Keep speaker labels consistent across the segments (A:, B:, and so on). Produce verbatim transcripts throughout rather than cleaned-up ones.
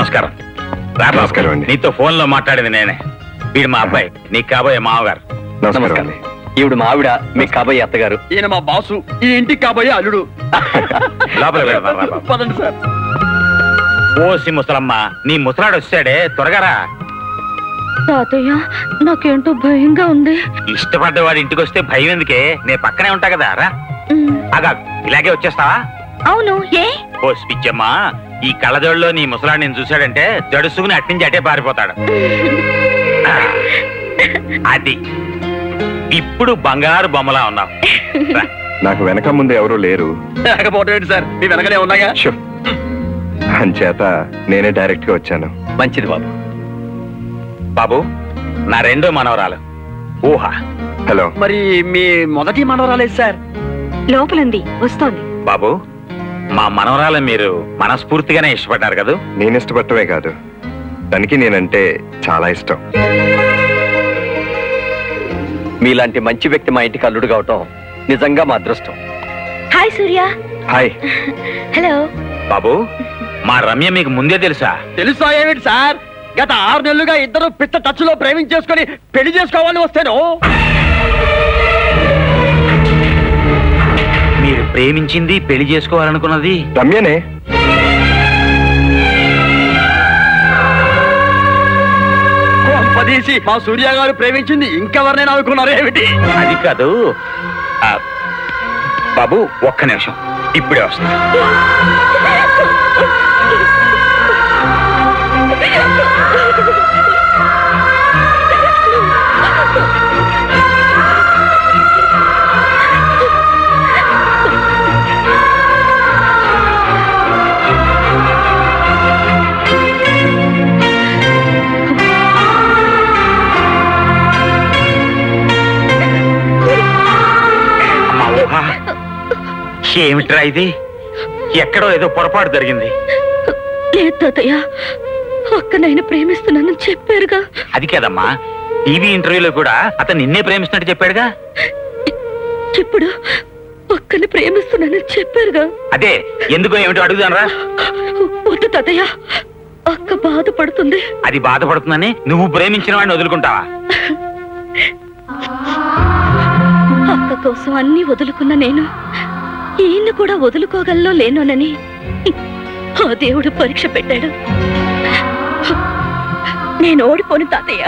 A: నమస్కారం.
B: నమస్కారం అండి.
A: నీతో ఫోన్ లో మాట్లాడింది నేనే. వీడు మా అబ్బాయి, నీకు కాబోయే మామగారు.
B: నమస్కారం.
C: ఈవిడ మా ఆవిడ, మీకు కాబోయే అత్తగారు. ఈయన మా బాసు, ఈ ఇంటికి కాబోయే అల్లుడు. పదండి సార్.
A: ఓసి ముసలమ్మ, నీ ముసలాడు వచ్చాడే, త్వరగా రా.
D: తాతయ్య నాకేంటో భయంగా ఉంది.
A: ఇష్టపడ్డవాడి ఇంటికి వస్తే భయం ఎందుకే? నేను పక్కనే ఉంటా కదా. రా అగా, ఇలాగే వచ్చేస్తావా?
D: అవును. ఏ
A: ఓ పిచ్చమ్మా, ఈ కళ్ళజోడులో నీ ముసలాడు నేను చూశాడంటే జడుసుకుని అట్నుంచి అటే పారిపోతాడు. అది ఇప్పుడు బంగారు బొమ్మలా ఉన్నావు.
B: నాకు వెనక ముందు ఎవరు లేరు.
C: సార్ మీ వెనకనే ఉన్నాయా?
B: అంచేత నేనే డైరెక్ట్ గా వచ్చాను.
C: మంచిది బాబు.
A: బాబు, నా రెండో మనవరాలు ఊహ.
B: హలో.
C: మరి మీ మొదటి మనవరాలేదు సార్?
D: లోపలుంది, వస్తోంది.
A: బాబు, మా మనవరాలు మీరు మనస్ఫూర్తిగానే ఇష్టపడ్డారు కదా?
B: నేను ఇష్టపడటమే కాదు, తనకి నేనంటే చాలా ఇష్టం.
C: మీలాంటి మంచి వ్యక్తి మా ఇంటికి అల్లుడు కావటం నిజంగా మా అదృష్టం.
D: హాయ్ సూర్య.
B: హాయ్.
D: హలో.
A: బాబు, మా రమ్య మీకు ముందే తెలుసా?
C: తెలుసా ఏమిటి సార్? గత ఆరు నెలలుగా ఇద్దరు పిట్ట టచ్ లో ప్రేమించేసుకుని పెళ్లి చేసుకోవాలని వస్తేను.
A: మీరు ప్రేమించింది, పెళ్లి చేసుకోవాలనుకున్నది
B: రమ్యనే.
C: పదేసి మా సూర్య గారు ప్రేమించింది ఇంకెవరినైనా అనుకున్నారు ఏమిటి?
A: అది కాదు బాబు, ఒక్క నిమిషం, ఇప్పుడే వస్తా. ఏమిట్రా ఇది? ఎక్కడో ఏదో పొరపాటు జరిగింది.
D: లేదు తాతయ్య, అక్కనైనా ప్రేమిస్తున్నానని చెప్పారుగా.
A: అది కాదమ్మా, టీవీ ఇంటర్వ్యూలో కూడా అతను నిన్నే ప్రేమిస్తున్నట్టు చెప్పాడుగా.
D: ఇప్పుడు అక్కని ప్రేమిస్తున్నానని చెప్పారుగా.
A: అదే ఎందుకో ఏమిటో అడుగుదానరా.
D: వద్దు తాతయ్య, అక్క బాధపడుతుంది.
A: అది బాధపడుతుందని నువ్వు ప్రేమించిన వాడిని వదులుకుంటావా?
D: అక్క కోసం అన్ని వదులుకున్న నేను ఈయన్ని కూడా వదులుకోగలలో లేనోనని ఆ దేవుడు పరీక్ష పెట్టాడు. నేను ఓడిపోను తాతయ్య.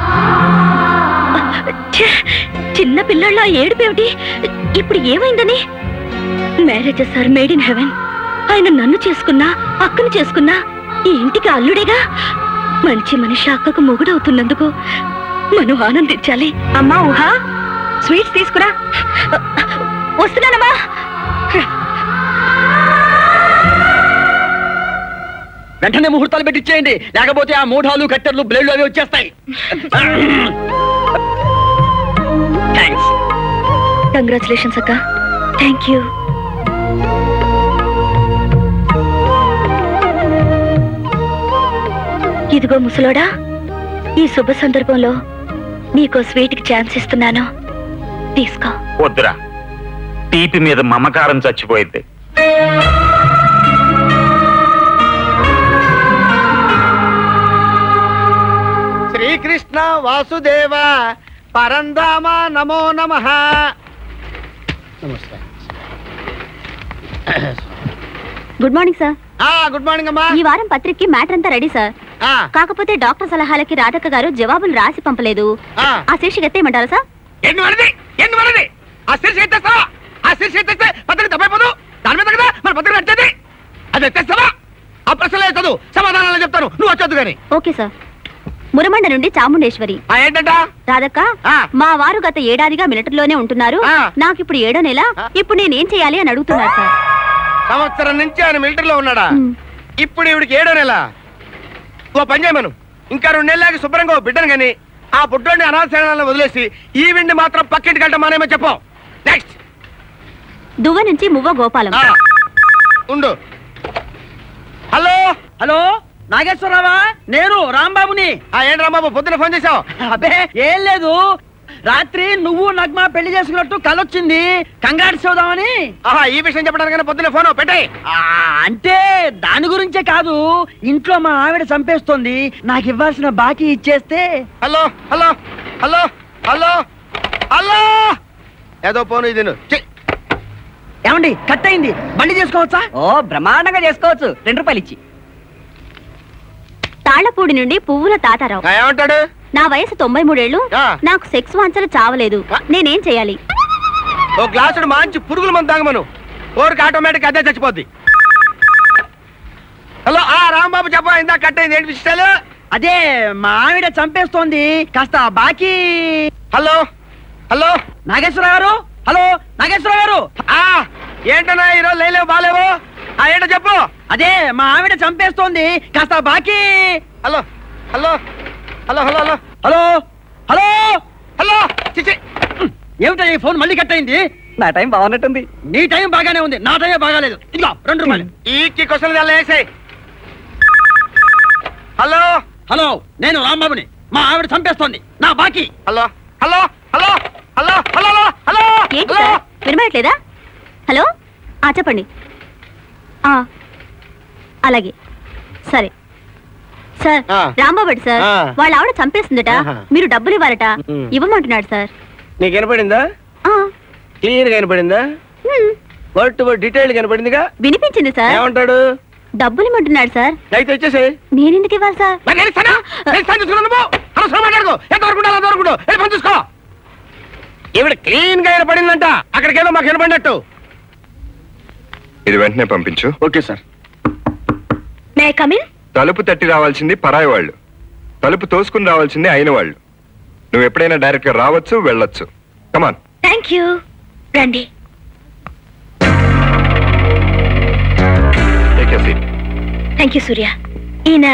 D: చిన్న పిల్లళ్ళ ఏడుపేమిటి? ఇప్పుడు ఏమైందని? Marriages are made in heaven. ఆయన నన్ను చేసుకున్నా, అక్కను చేసుకున్నా ఈ ఇంటికి అల్లుడేగా. మంచి మనిషి అక్కకు మొగుడవుతున్నందుకు మనం ఆనందించాలి. అమ్మా ఊహ, స్వీట్స్ తీసుకురా. వస్తున్నానమ్మా.
C: వెంటనే ముహూర్తాలు పెట్టిచ్చేయండి, లేకపోతే ఆ మూఢాలు, కట్టెర్లు, బ్లేడ్లు అవి వచ్చేస్తాయి. థ్యాంక్స్.
D: కంగ్రాచులేషన్స్ అక్క. Thank you. ఇదిగో ముసలోడా, ఈ శుభ సందర్భంలో నీకో స్వీట్ కి ఛాన్స్ ఇస్తున్నాను, తీసుకో.
A: వద్దురా, తీపి మీద మమకారం చచ్చిపోయింది.
E: శ్రీకృష్ణ వాసుదేవ పరంధామ నమో నమః.
D: Good morning sir.
E: Good morning అమ్మా.
D: ఈ వారం పత్రికకి మ్యాటర్ అంతా రెడీ సార్. కాకపోతే డాక్టర్ సలహాలకి రాధక్క గారు జవాబులు రాసి పంపలేదు. ఆ శీర్షిక ఎత్తేయమంటారా సార్?
E: ఆ శీర్షిక ఎత్తేస్తావా? ఆ శీర్షిక ఎత్తేస్తే పత్రిక తప్పైపోదు. దాని మీద కదా మన పత్రిక నచ్చేది. అది ఎత్తేస్తావా? ఆ ప్రశ్నలే చదువు, సమాధానాలు చెప్తాను, నువ్వు వచ్చొద్దు గాని.
D: Okay sir. మురమండ నుండి చాముండేశ్వరి.
E: ఏంటంట?
D: రాధక్క, మా వారు గత ఏడాదిగా మిలిటరీలోనే ఉంటున్నారు. నాకు ఇప్పుడు ఏడో నెల. ఇప్పుడు నేనేం చేయాలి అని అడుగుతున్నారు సార్.
E: సంవత్సరం నుంచి ఆయన మిలిటరీలో ఉన్నాడా? ఇప్పుడు ఇవిడికి ఏడో నెల. ఓ పని చేయమను, ఇంకా రెండు నెలలకి శుభ్రంగా ఓ బిడ్డను గాని ఆ పుట్టోడిని అనాథశాలను వదిలేసి ఈ విండి మాత్రం పక్కింటికి వెళ్ళటం మానేమో చెప్పు. నెక్స్ట్.
D: దువ్వ నుంచి మువ్వ గోపాలం.
E: ఉండు. హలో
C: హలో, నాగేశ్వరరావా? నేను రాంబాబుని.
E: ఏంటి రాంబాబు, పొద్దున ఫోన్ చేశావు?
C: అబ్బే ఏం లేదు, రాత్రి నువ్వు నగ్మ పెళ్లి చేసుకున్నట్టు కలొచ్చింది కంగారు చూద్దామని.
E: ఆహా, ఈ విషయం చెప్పడానికి పొద్దున్నే ఫోన్ పెట్టే.
C: ఆ, అంటే దాని గురించే కాదు, ఇంట్లో మా ఆవిడ చంపేస్తోంది, నాకు ఇవ్వాల్సిన బాకీ ఇచ్చేస్తే.
E: Hello hello hello hello hello ఏదో ఫోన్ ఇది ఛీ,
C: ఏమండి కట్ అయింది, బండి చేసుకోవచ్చా? ఓ బ్రహ్మాండంగా చేసుకోవచ్చు, రెండు రూపాయలు ఇచ్చి.
D: తాళ్లపూడి నుండి పువ్వుల తాతారావు.
E: ఆ, ఏమంటాడు?
D: నా వయసు తొంభై మూడేళ్లు,
E: ఆ.
D: నాకు సెక్స్ వాంచలు చావలేదు, నేనేం చేయాలి?
E: ఓ గ్లాసుడు మంచి పురుగుల మందు తాగమను, ఓరికి ఆటోమేటిక్ అదే చచ్చిపోద్ది. హలో ఆ రాంబాబు చెప్ప, ఇందా కట్ అయింది, ఏంటి విషయాలు?
C: అదే మా ఆవిడ చంపేస్తోంది, కాస్త బాకీ.
E: హలో హలో
C: నాగేశ్వర గారు, హలో నాగేశ్వర గారు.
E: ఆ ఏంటన్నా ఈరోజు లేలేవు బాలేవు? ఆ ఏంటో చెప్పు.
C: అదే మా ఆవిడ చంపేస్తోంది, కాస్త బాకీ.
E: Hello hello hello hello hello
C: hello hello
E: hello చిచి
C: ఏమిటో ఈ ఫోన్ మళ్ళీ కట్ అయింది. నా టైం బాగున్నట్టుంది. నీ టైం బాగానే ఉంది, నా టైం బాగాలేదు. ఇదిగో రెండు రూపాయలు.
E: ఈ క్వశ్చన్ అలా వేసాయి. హలో
C: హలో, నేను రాంబాబుని, మా ఆవిడ చంపేస్తోంది, నా బాకీ.
E: Hello hello hello hello hello hello
D: ఏంటి
E: హలో
D: సార్ వినబడట్లేదా? హలో, ఆ చెప్పండి. ఆ అలాగే, సరే సార్.
E: ఆ.
D: రాంబాబు సార్,
E: ఆ.
D: వాళ్ళ ఆవిడ చంపేస్తుందట,
E: ఆహా.
D: మీరు డబ్బులు ఇవ్వాలట,
E: ఉమ్.
D: ఇవ్వమంటున్నాడు సార్.
E: నీకు వినపడిందా?
D: ఆ,
E: క్లియర్ గా వినపడిందా?
D: Um,
E: word to word detail కనపడిందిగా.
D: వినిపించింది సార్.
E: ఏమంటాడు?
D: డబ్బులు ఇమ్మంటున్నాడు సార్.
E: అయితే వచ్చేసి
D: నేను ఎందుకు ఇవ్వాలి సార్?
E: ఈవిడ క్లీన్ గా వినపడిందంట, అక్కడికేదో మాకు వినపడినట్టు.
B: ఇది వెంటనే పంపించు.
E: Okay sir.
D: May come in.
B: తలుపు తట్టి రావాల్సింది పరాయి వాళ్ళు, తలుపు తోసుకుని రావాల్సింది అయిన వాళ్ళు. నువ్వు ఎప్పుడైనా డైరెక్ట్ గా రావచ్చు, వెళ్ళొచ్చు. కమాన్.
D: Thank you. రండి. Thank you Surya. ఈయన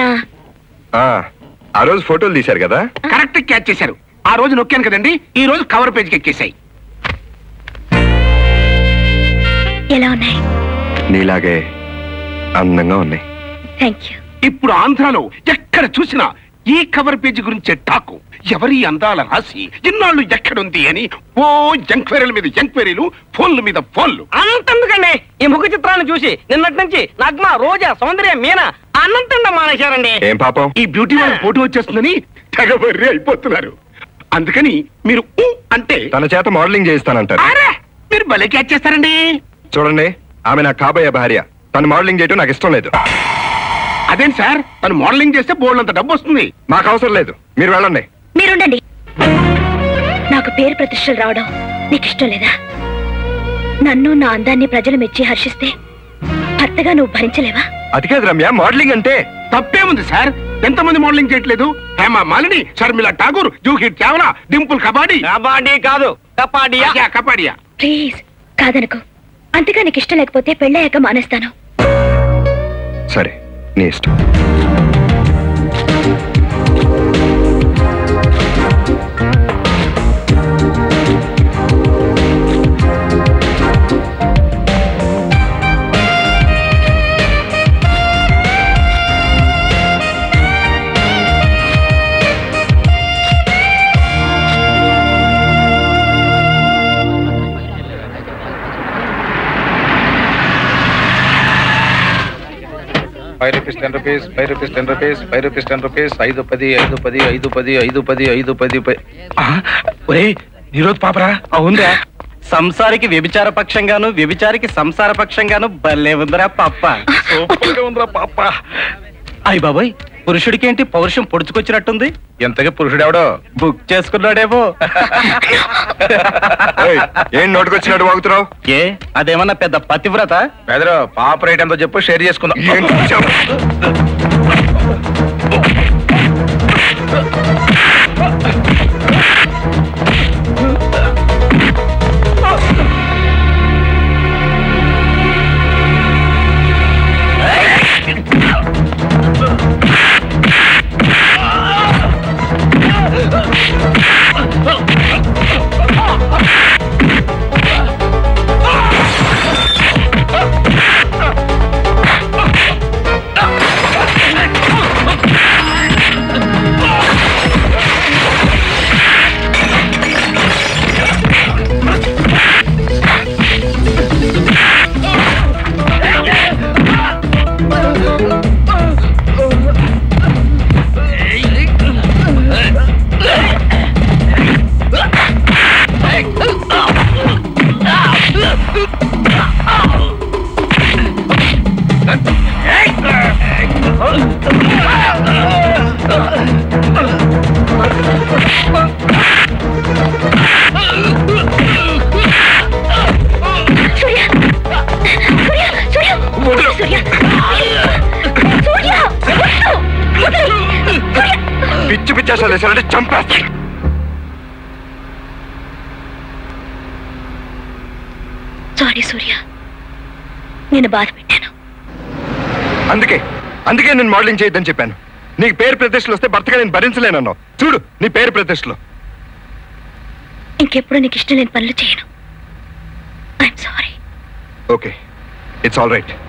B: ఆ రోజు ఫోటోలు తీశారు కదా,
E: కరెక్ట్ క్యాచ్ చేశారు. ఆ రోజు నొక్కాను కదండి, ఈ రోజు కవర్ పేజ్కి ఎక్కేసాయి.
D: ఎలా ఉన్నాయి?
B: నీలాగే అందంగా ఉన్నాయి.
D: Thank you.
F: ఇప్పుడు ఆంధ్రాలో ఎక్కడ చూసినా ఈ కవర్ పేజీ గురించే టాకు. ఎవరి అందాల రాసి ఇన్నాళ్ళు ఎక్కడుంది అని ఓ ఎంక్వైరీల మీద ఎంక్వైరీలు, ఫోన్ల మీద ఫోన్లు.
C: అనంతందుకండి ఈ ముఖ చిత్రాన్ని చూసి నిన్నటి నుంచి నగ్మ, రోజా, సౌందర్య, మీనా అనంతంగా మానేశారండి.
B: ఏం పాపం?
F: ఈ బ్యూటీ వాళ్ళ ఫోటో వచ్చేస్తుందని తెగబర్రి అయిపోతున్నారు. అందుకని మీరు ఊ అంటే
B: తన చేత మోడలింగ్ చేయిస్తానంటారు.
F: అరే మీరు భలే క్యాచ్ చేస్తారండి.
B: చూడండి, ఆమె నా కాబోయే భార్య, తను మోడలింగ్ చేయటం నాకు ఇష్టం లేదు.
F: అదేం సార్, తను మోడలింగ్ చేస్తే బోల్డ్ అంత డబ్బు వస్తుంది.
B: మాకు అవసరం లేదు, మీరు వెళ్ళండి.
D: మీరుండండి. నాకు పేరు ప్రతిష్టలు రావడం నీకు ఇష్టం లేదా? నన్ను నా అందాన్ని ప్రజలు మెచ్చి హర్షిస్తే భర్తగా నువ్వు భరించలేవా?
B: అది కాదు రమ్య, మోడలింగ్ అంటే.
F: తప్పేముంది సార్, ఎంతమంది మోడలింగ్ చేయట్లేదు? హేమ మాలిని, షర్మిల ఠాగూర్, జూహీ చావ్లా, డింపుల్ కబాడీ.
C: కబాడీ కాదు కపాడియా.
F: అయ్యా, కబాడియా.
D: ప్లీజ్ కాదనుకో. అంతగా నీకు ఇష్టం లేకపోతే పెళ్ళయ్యాక మానేస్తాను.
B: సరే, నీ ఇష్టం.
G: Five rupees ten rupees five rupees ten rupees five rupees ten rupees ఐదు పది ఐదు పది ఐదు పది ఐదు పది ఐదు పది
F: ఒరే ఈరోజు పాపరా.
C: అవునరా, సంసారికి వ్యభిచార పక్షంగాను, వ్యభిచారికి సంసార పక్షంగాను భలే ఉందిరా పప్ప.
F: సూపర్గా ఉందిరా పాప.
C: అయ్య బాబాయ్, పురుషుడికేంటి పౌరుషం పొడుచుకొచ్చినట్టుంది?
G: ఎంతగా పురుషుడు ఎవడో
C: బుక్ చేసుకున్నాడేమో.
B: ఏయ్, ఏం నోటుకొచ్చినట్టు వాగుతున్నావు?
C: ఏ అదేమన్నా పెద్ద పతివ్రత?
G: పెదరు పాప రేట్ ఎంతో చెప్పు, షేర్ చేసుకుందాం.
B: ఏంటి చూసావు? అత్యాచారాలు చేశారంటే చంపేస్తా.
D: సారీ సూర్య, నేను బాధ పెట్టాను.
B: అందుకే అందుకే నేను మోడలింగ్ చేయొద్దని చెప్పాను. నీకు పేరు ప్రతిష్టలు వస్తే భర్తగా నేను భరించలేనన్నావు. చూడు నీ పేరు ప్రతిష్టలు.
D: ఇంకెప్పుడు నీకు ఇష్టం లేని పనులు చేయను. I'm sorry.
B: Okay, it's all right.